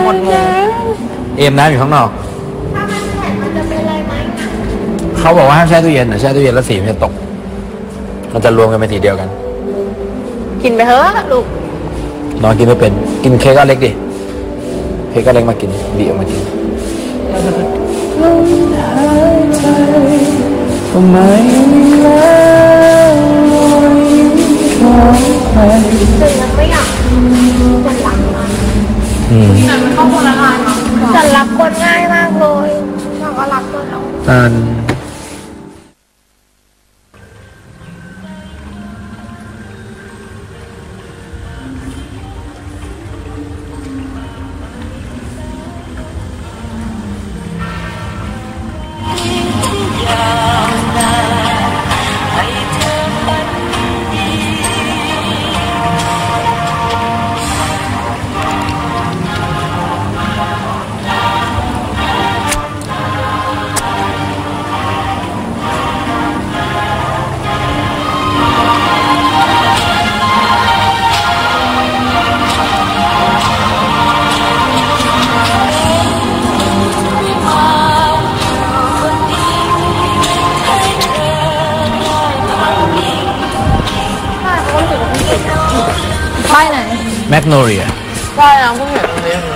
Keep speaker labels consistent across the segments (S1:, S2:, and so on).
S1: หมดงง
S2: เอ็มน้ำอยู่ข้างนอก
S3: ถ้ามันแข็งมันจะเป็นอะไรไหม
S2: เขาบอกว่าห้ามแช่ตู้เย็นนะแช่ตู้เย็นแล้วสีมันจะตกมันจะรวมกันเป็นสีเดียวกัน
S3: กินไปเถอะลูก
S2: น้องกินไม่เป็นกินเค้กก็เล็กดิเค้กก็เล็กมากินบีออกมากินไม่แล้ว
S3: แต่ยังไม่อยากจะหลังมัน
S1: แต่มันเข้าคนละลายมั้ง
S3: จะรักคนง่ายมากเลยเราก็รักคนเรา
S1: ป้ายไหน
S2: แมกโนเลีย
S1: ป้ายนะเพิ่งเห็นตรงนี้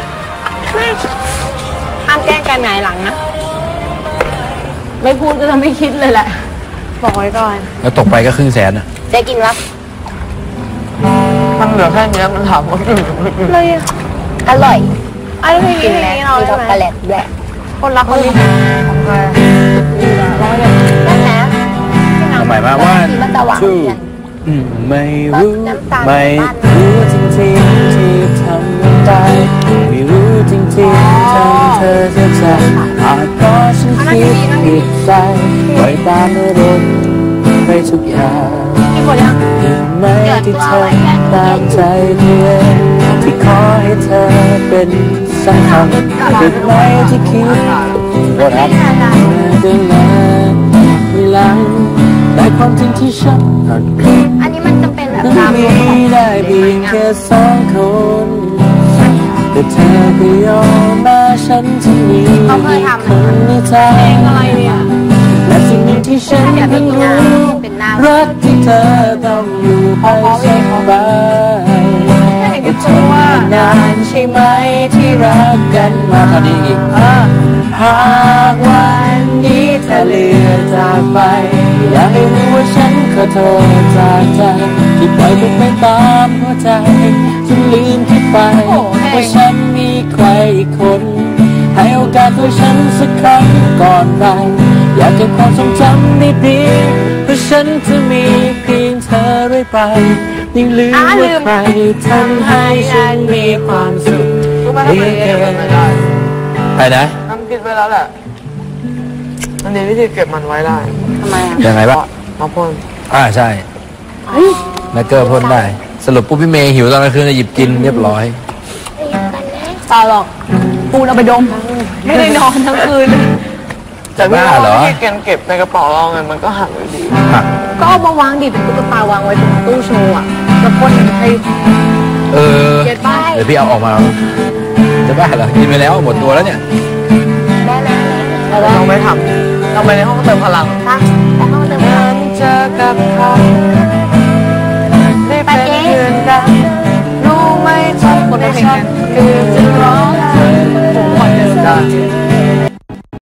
S3: ห้ามแกล้งกันไงหลังนะ
S1: ไม่พูดก็จะไม่คิดเลยแหละ
S3: บอกไว้ก่อน
S2: แล้วตกไปก็100,000นะ
S3: จะกินรับ
S1: มันเหลือแค่นี้มันถามว่า
S3: เลยอร่อยกินแล้วมีช็อกโกแลตแหละคนรักคนนี้นั่นนะ
S2: ทำไมมาว่าชื่อไม่รู้จริงๆที่ทำได้ไม่รู้จริงๆทำเธอจะใจอาจเพราะฉันคิดผิดใจปล่อยตามอารมณ์ไปทุกอย่างไม่ที่เธอตามใจเพียงที่ขอให้เธอเป็นสำคัญผิดไหมที่คิดว่ารักเดินมาไม่ลังแต่ความจริงที่ฉัน
S3: อันนี้มันจะเป็นแบบ
S2: มีได้เพียงแค่2 คนแต่เธอก็ยอมมาฉันจะมีคนในใจ
S1: อะไรเนี่ย
S2: และสิ่งที่ฉันเพิ่งรู้รักที่เธอต้องอยู่ไปสบาย
S1: ก็เธอว่
S2: านานใช่ไหมที่รักกันมาตอนนี้อีกหากวันนี้เธอเลือนจากไปอยากให้รู้ว่าฉันขอโทษจากใจที่ปล่อยมันไปตามหัวใจจนลืมคิดไปว่าฉันมีใครอีกคนให้โอกาสตัวฉันสักครั้งก่อนไปอยากเก็บความทรงจำดีๆเพราะฉันจะมีเพียงเธอเรื่อยไปยิ่งลืมว่าใครทำให้ฉันมีความสุข
S1: เพียงแค่
S2: ไปนะ
S1: ทำคิดไว้แล้วแหละอันนี้วิธีเก็บมันไว้ได้
S3: ทำไม
S2: ยังไงบ้าง
S1: มาพ่น
S2: ใช่แมกเกอร์พ่นได้สรุปปุ๊บพี่เมย์หิวตอนกลางคืนจะหยิบกินเรียบร้อย
S1: ตาหรอกปูนเอาไปดมไม่ได้นอนทั้งคืนแต่พี่ว่าที่เก็บในกระเป๋าเราไงมันก็หักอยู่ดี
S3: ก็เอามาวางดิเป็นตุ๊กตาวางไว้ตรงตู้โชว์อ่ะแล้วพ่นให้
S2: เดี๋ยวพี่เอาออกมาจะบ้าเหรอกินไปแล้วหมดตัวแล้วเนี่ย
S3: ได้แล้ว
S1: เราไม่ทำเราไปในห้องเติมพลัง
S3: ไปห้องเติมพลัง
S1: เจอกับเขาได้เป็นเพื่อนกันรู้ไหมใจคนฉันคือใจ